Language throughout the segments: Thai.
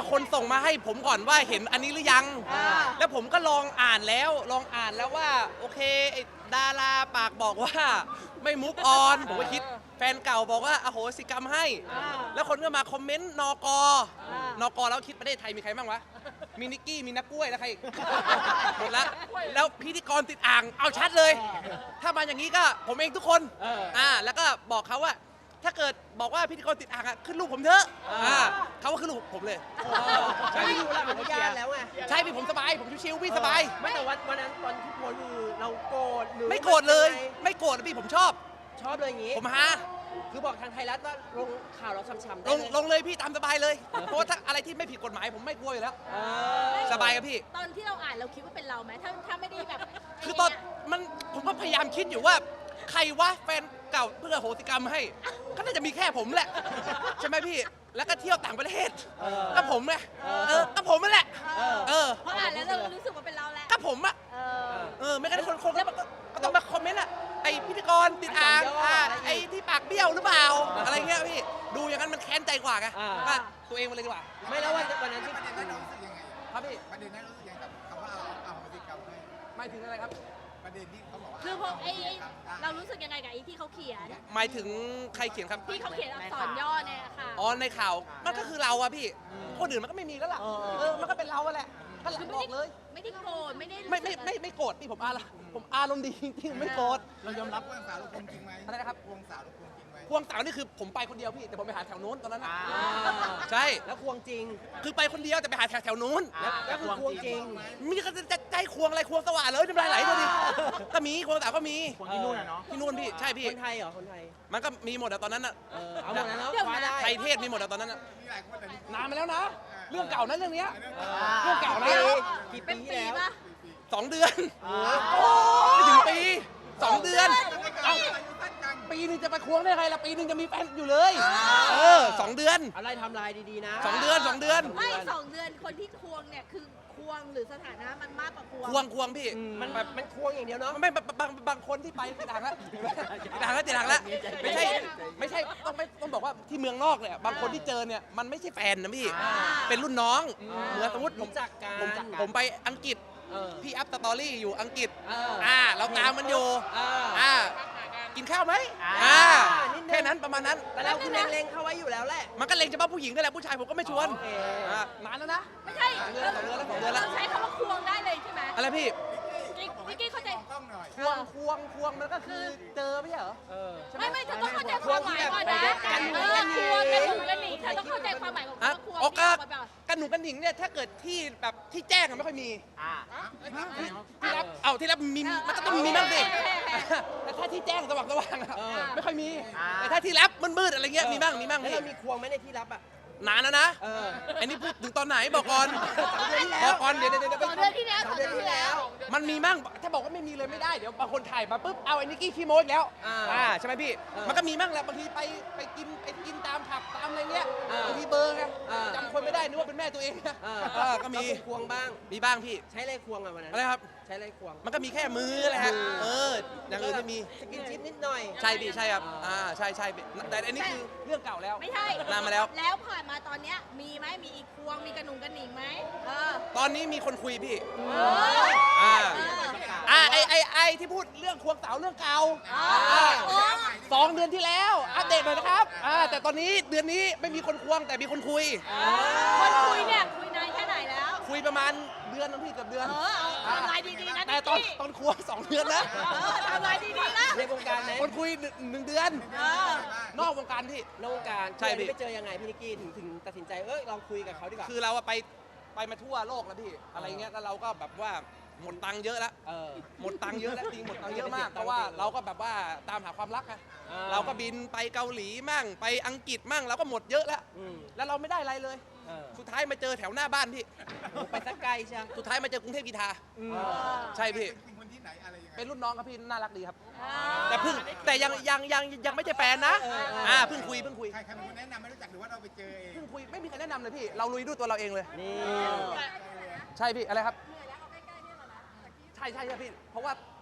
คนส่งมาให้ผมก่อนว่าเห็นอันนี้หรือยังแล้วผมก็ลองอ่านแล้วว่าโอเคไอ้ดาราปากบอกว่าไม่มุกออนผมก็คิดแฟนเก่าบอกว่าอโหสิกรรมให้แล้วคนก็มาคอมเมนต์นกแล้วคิดประเทศไทยมีใครบ้างวะมีนิกกี้มีนักกล้วยแล้วใครหมดแล้วพิธีกรติดอ่างเอาชัดเลยถ้ามาอย่างนี้ก็ผมเองทุกคนแล้วก็บอกเขาว่าถ้าเกิดบอกว่าพิธีกรติดอ่างขึ้นรูปผมเถอะเขาก็ขึ้นรูปผมเลยใช่พี่ดูแล้วผมก็ยานแล้วไงใช่พี่ผมสบายผมชิวๆพี่สบายไม่แต่วันนั้นตอนที่โพสคือเราโกรธหรือไม่โกรธเลยไม่โกรธพี่ผมชอบเลยอย่างงี้ผมฮะคือบอกทางไทยรัฐว่าลงข่าวเราช้ำๆได้ลงเลยพี่ตามสบายเลยเพราะว่าถ้าอะไรที่ไม่ผิดกฎหมายผมไม่กลัวอยู่แล้วสบายครับพี่ตอนที่เราอ่านเราคิดว่าเป็นเราไหมถ้าไม่ได้แบบคือตอนผมก็พยายามคิดอยู่ว่าใครวะแฟนเก่าเพื่อโหสิกรรมให้ก็น่าจะมีแค่ผมแหละใช่ไหมพี่แล้วก็เที่ยวต่างประเทศก็ผมไงก็ผมนั่นแหละเพราะอ่านแล้วเรารู้สึกว่าเป็นเราแหละก็ผมอะไม่งั้นคนก็ต้องมาคอมเมนต์อะไอพิธีกรติดอ่างไอที่ปากเบี้ยวหรือเปล่าอะไรเงี้ยพี่ดูอย่างนั้นมันแค้นใจกว่าไงว่าตัวเองมาเลยดีกว่าไม่แล้ววันนั้นที่ประเด็นนั้นเรารู้สึกยังไงครับพี่ประเด็นนั้นรู้สึกยังไงกับคำว่าเอาโหสิกรรมให้หมายถึงอะไรครับประเด็นที่เขาบอกว่าคือพวกเรารู้สึกยังไงกับไอ้ที่เขาเขียนหมายถึงใครเขียนครับที่เขาเขียนอักษรย่อเนี่ยค่ะอ๋อในข่าวมันก็คือเราอะพี่คนอื่นมันก็ไม่มีแล้วล่ะมันก็เป็นเราแหละก็บอกเลยไม่ได้โกรธไม่ได้ไม่โกรธพี่ผมอารมณ์ดีจริงๆไม่โกรธเรายอมรับควงสาวลูกคงจริงไหมอะไรนะครับควงสาวลูกคงจริงไหมควงสาวนี่คือผมไปคนเดียวพี่แต่ผมไปหาแถวนู้นตอนนั้นนะใช่แล้วควงจริงคือไปคนเดียวแต่ไปหาแถวนู้นแล้วคือควงจริงมีก็จะใจควงอะไรควงสว่านเลยน้ำลายไหลเลยดิก็มีควงสาวก็มีควงที่นู่นเนาะที่นู่นพี่ใช่พี่คนไทยเหรอคนไทยมันก็มีหมดอะตอนนั้นอะเอาหมดแล้วคว้าได้ไทยเทศมีหมดอะตอนนั้นอะมีหลายคนแต่นี่นานมาแล้วนะเรื่องเก่านะเรื่องนี้เรื่องเก่านะกี่ปีแล้ว 2 เดือนไม่ถึงปี2 เดือนปีนึงจะไปควงได้ไงล่ะปีนึงจะมีแฟนอยู่เลย2 เดือนอะไรทำลายดีๆนะ 2 เดือนไม่2 เดือนคนที่ควงเนี่ยคือควงหรือสถานะมันมากกว่าควงพี่มันควงอย่างเดียวเนาะไม่บางคนที่ไปติดอ่างแล้วไม่ใช่ต้องบอกว่าที่เมืองนอกเนี่ยบางคนที่เจอเนี่ยมันไม่ใช่แฟนนะพี่เป็นรุ่นน้องเหมือนสมมติผมไปอังกฤษพี่อัพสตอรี่อยู่อังกฤษเราตามมันอยู่กินข้าวไหมแค่นั้นประมาณนั้นแต่เราคือเล็งเข้าไว้อยู่แล้วแหละมันก็เล็งเฉพาะผู้หญิงนั่นแหละผู้ชายผมก็ไม่ชวนนานแล้วนะไม่ใช่2 เดือนแล้วใช้คำว่าควงได้เลยใช่ไหมอะไรพี่นิกกี้เข้าใจควงมันก็คือเจอไม่ใช่เหรอไม่เธอต้องเข้าใจความหมายก่อนนะควงกันหนีเธอต้องเข้าใจความหมายของคำว่าควงกันหนูกันหนิงเนี่ยถ้าเกิดที่แบบที่แจ้งไม่ค่อยมีที่รับมีมันก็ต้องมีบ้างสิแต่ถ้าที่แจ้งสว่างไม่ค่อยมีแต่ถ้าที่รับมืดอะไรเงี้ยมีบ้างแล้วเรามีควงไหมในที่รับอ่ะนานแล้วนะอันนี้พูดถึงตอนไหนบอกก่อนเดี๋ยว 2 เดือนที่แล้วมันมีมั่งถ้าบอกว่าไม่มีเลยไม่ได้เดี๋ยวบางคนถ่ายมาปุ๊บเอาไอ้นิกกี้ขี้โม้อีกแล้วใช่ไหมพี่มันก็มีมั่งแหละบางทีไปกินตามผับตามอะไรเงี้ยบางทีเบอร์ไงจำคนไม่ได้นึกว่าเป็นแม่ตัวเองก็มีควงบ้างมีบ้างพี่ใช้อะไรควงอ่ะวันนั้นอะไรครับใช้อะไรควงมันก็มีแค่มือแหละฮะอย่างอื่นไม่มีสกินชิปนิดหน่อยใช่พี่ใช่ครับใช่แต่อันนี้คือเรื่องเก่าแล้วไม่ใช่นานมาแล้วผ่านมาตอนเนี้ยมีไหมมีอีกควงมีกระหนุ่งกระหนิงไหมตอนนี้มีคนคุยพี่ไอที่พูดเรื่องควงสาวเรื่องเก่า2 เดือนที่แล้วอัปเดตหน่อยนะครับแต่ตอนนี้เดือนนี้ไม่มีคนควงแต่มีคนคุยคนคุยเนี่ยคุยนานแค่ไหนแล้วคุยประมาณเดือนนึงพี่เกือบเดือนทำลายดีๆนะแต่ตอนควง2 เดือนนะทำลายดีๆนะในวงการคนคุย1 เดือนนอกวงการที่นอกวงการใช่พี่ไปเจอยังไงพี่นิกกี้ถึงตัดสินใจลองคุยกับเขาดีกว่าคือเราไปมาทั่วโลกแล้วพี่อะไรเงี้ยแล้วเราก็แบบว่าหมดตังค์เยอะแล้วหมดตังค์เยอะแล้วจริงหมดตังค์เยอะมากเพราะว่าเราก็แบบว่าตามหาความรักไงเราก็บินไปเกาหลีมั่งไปอังกฤษมั่งเราก็หมดเยอะแล้วเราไม่ได้อะไรเลยสุดท้ายมาเจอแถวหน้าบ้านพี่ไปสักไกลใช่สุดท้ายมาเจอกรุงเทพกีฬาใช่พี่เป็นรุ่นน้องครับพี่น่ารักดีครับแต่ยังไม่ใช่แฟนนะเพิ่งคุยใครเป็นคนแนะนำไม่รู้จักหรือว่าเราไปเจอเองเพิ่งคุยไม่มีใครแนะนำเลยพี่เราลุยด้วยตัวเราเองเลยนี่ใช่พี่อะไรครับใช่พี่เพราะว่า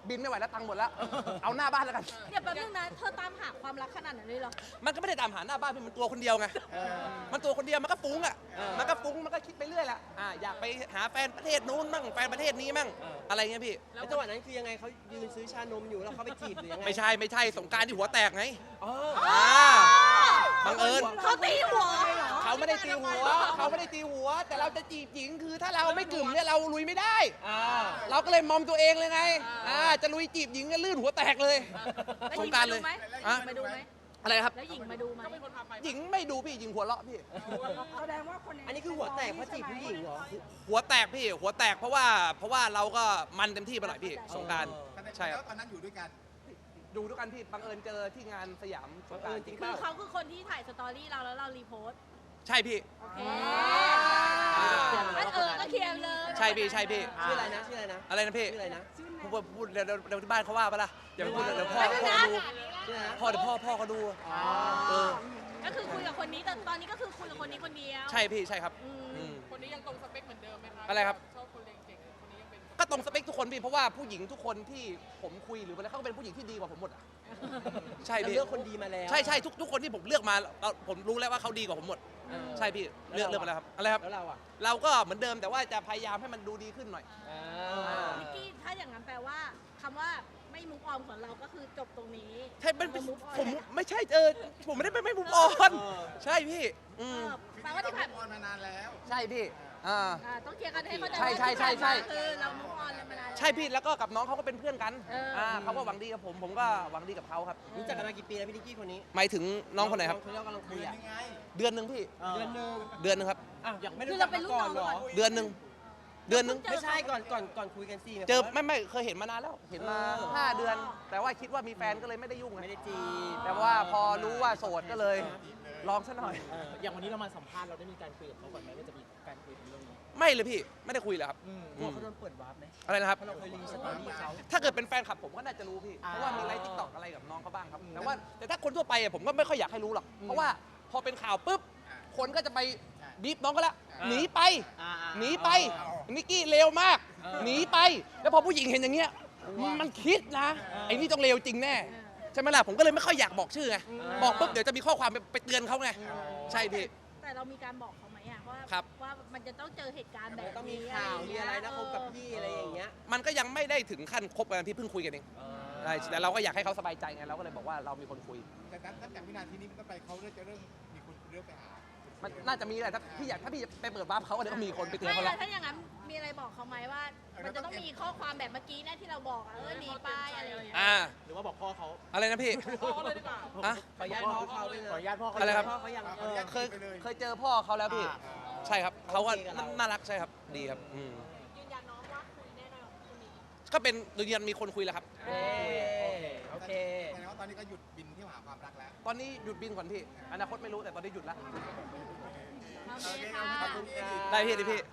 บินไม่ไหวแล้วตังค์หมดแล้ว เอาหน้าบ้านแล้วกันเดี๋ยวแป๊บนึงนะเธอตามหาความรักขนาดนั้นเลยเหรอมันก็ไม่ได้ตามหาหน้าบ้านพี่มันตัวคนเดียวไง มันตัวคนเดียวมันก็ฟุ้งอ่ะ มันก็ฟุ้งมันก็คิดไปเรื่อยแหละอยากไปหาแฟนประเทศนู้นมั่งแฟนประเทศนี้มั่งอะไรเงี้ยพี่แล้วจังหวะนั้นคือยังไงเขายืนซื้อชานมอยู่แล้วเขาไปจีบหรือยังไงไม่ใช่สงกรารที่หัวแตกไงอ๋อบังเอิญเขาตีหัวเหรอเขาไม่ได้ตีหัว เขาไม่ได้ตีหัว แต่เราจะจีบหญิงคือถ้าเราไม่กลุ่มเนี่ยเราลุยไม่ได้ เราก็เลยมอมตัวเองเลยไงจะลุยจีบหญิงก็ลื่นหัวแตกเลยแล้วสหงญิงกรารมาเลดูยไหมอะมาดูไหมอะไรครับแล้วหญิงมาดูไหมหญิงไม่ดูพี่หญิงหัวเราะพี่แสดงว่าคนในอันนี้คือหัวแตกเพราะจีบผู้หญิงเหรอหัวแตกพี่หัวแตกเพราะว่าเราก็มันเต็มที่ไปหน่อยพี่สงกรารใช่คแล้รับวตอนนั้นอยู่ด้วยกันดูด้วยกันพี่บังเอิญเจอที่งานสยามสงกรารจริงคือเขาคือคนที่ถ่ายสตอรี่เราแล้วเรารีโพสต์ใช่พี่โอเคงั้นก็เคลียร์เลยใช่พี่ใช่พี่ชื่ออะไรนะชื่ออะไรนะอะไรนะพี่ชื่ออะไรนะพูดเดี๋ยวที่บ้านเขาว่าปะล่ะอย่าไปพูดเดี๋ยวพ่อไม่เขาเป็นไรดูชื่ออะไรนะพ่อเดี๋ยวพ่อเขาดูอ๋อก็คือคุยกับคนนี้แต่ตอนนี้ก็คือคุยกับคนนี้คนเดียวใช่พี่ใช่ครับอืมอืมคนนี้ยังตรงสเปคเหมือนเดิมไหมคะอะไรครับชอบคนเรียนเก่งคนนี้ยังเป็นก็ตรงสเปคทุกคนพี่เพราะว่าผู้หญิงทุกคนที่ผมคุยหรืออะไรเขาก็เป็นผู้หญิงที่ดีกว่าผมหมดอะใช่เราพี่เลือกคนดีมาแล้วใช่ทุกคนที่ผมเลือกมาผมรู้แล้วว่าเขาดีกว่าผมหมด ใช่พี่เลือกมาแล้วครับอะไรครับแล้วเราอ่ะเราก็เหมือนเดิมแต่ว่าจะพยายามให้มันดูดีขึ้นหน่อยนิกกี้ถ้าอย่างนั้นแปลว่าคำว่าไม่มุกออมของเราก็คือจบตรงนี้ใช่เป็นเรา move on ผมแล้วไม่ใช่ผมไม่ได้ไม่มุกออน ใช่พี่อืมแปลว่าที่ผ่านออนมานานแล้วใช่พี่ต้องเคลียร์กันให้เข้าใจใช่ว่าใช่ที่ใช่ใช่ผ่านมาคือเรามุกออนแล้วมานานแล้วใช่พี่แล้วก็กับน้องเขาก็เป็นเพื่อนกัน เขาก็หวังดีกับผมก็หวังดีกับเขาครับรู้จักกันมากี่ปีแล้วพี่นิกกี้คนนี้หมายถึงน้องคนไหนครับเขาเรียกกำลังคุยเดือนอ่ะยังไงเดือนหนึ่งพี่เดือนหนึงเดือนหนึงครับอ่ะยังไม่คืรู้อจัเรากเป็นมาลูกก่อน้นองเหรอก่อนเดือนหนึ่งเดือนหนึงไม่ใช่ก่อนคุยกันสิเจอไม่เคยเห็นมานานแล้วเห็นมา 5 เดือน แต่ว่าคิดว่ามีแฟนก็เลยไม่ได้ยุ่งไงไม่ได้จีบแต่ว่าพอรู้ว่าโสดก็เลยลองซะหน่อยอย่างวันนี้เรามาสัมภาษณ์เราได้มีการคุยกับเขาก่อนไหมว่าจะมีการคุยถึงเรื่องนี้ไม่เลยพี่ไม่ได้คุยเลยครับกลัวเขาโดนเปิดวาร์ปไหมอะไรนะครับเพราะเราเคยรีสตอรี่เขาถ้าเกิดเป็นแฟนคลับผมก็น่าจะรู้พี่ เพราะว่ามีไลฟ์ทิกตอกอะไรกับน้องเขาบ้างครับ แต่ถ้าคนทั่วไปอะผมก็ไม่ค่อยอยากให้รู้หรอก เพราะว่าพอเป็นข่าวปุ๊บ คนก็จะไปบีบน้องก็แล้วหนีไป หนีไป นิกกี้เลวมาก หนีไป แล้วพอผู้หญิงเห็นอย่างเงี้ย มันคิดนะ ไอ้นี่ต้องเลวจริงแน่ ใช่ไหมล่ะ ผมก็เลยไม่ค่อยอยากบอกชื่อไง บอกปุ๊บเดี๋ยวจะมีข้อความไปเตือนเขาไง ใช่พี่แต่เรามีการบอกเขาไหมอะว่าครับว่ามันจะต้องเจอเหตุการณ์แบบต้องมีนี้ข่าวมีอะไรนะเคบกับพี่อะไรอย่างเงี้ยมันก็ยังไม่ได้ถึงขั้นคบกันที่เพิ่งคุยกันเองใช่แต่เราก็อยากให้เขาสบายใจไง เราก็เลยบอกว่าเรามีคนคุยแต่ตั้งแต่วินาทีนี้มันต้องไปเขาจะเริ่มมีคนเริ่มไปหามันน่าจะมีแหละถ้าพี่ไปเปิดบ้านเขาเดี๋ยวก็มีคนไปเตือนไม่เขาแล้แล้ว วถ้าอย่างนั้นมีอะไรบอกเขาไหมว่า มันจะต้องมีข้อความแบบเมื่อกี้นะที่เราบอกอะหนีไปอะไรอย่างเงี้ยหรือว่าบอกพ่อเขาอะไรนะพี่พ่อเขาเลยดีกว่าอะขออนุญาตพ่อเขาด้วยนะขออนุญาตพ่อเขาอะไรครับพ่อเขายังเคยเจอพ่อเขาแล้วพี่ ใช่ครับเขาก็โอเคกับเราน่ารักใช่ครับ ดีครับอืมยืนยันน้องว่าคุยแน่นอนคนนี้ก็เป็นยืนยันมีคนคุยแล้วครับโอเคแสดงว่าตอนนี้ก็หยุดบินที่หาความรักแล้วตอนนี้หยุดบินก่อนพี่ อนาคตไม่รู้แต่ตอนนี้หยุดแล้วโอเคค่ะขอบคุณครับได้พี่ดิพี่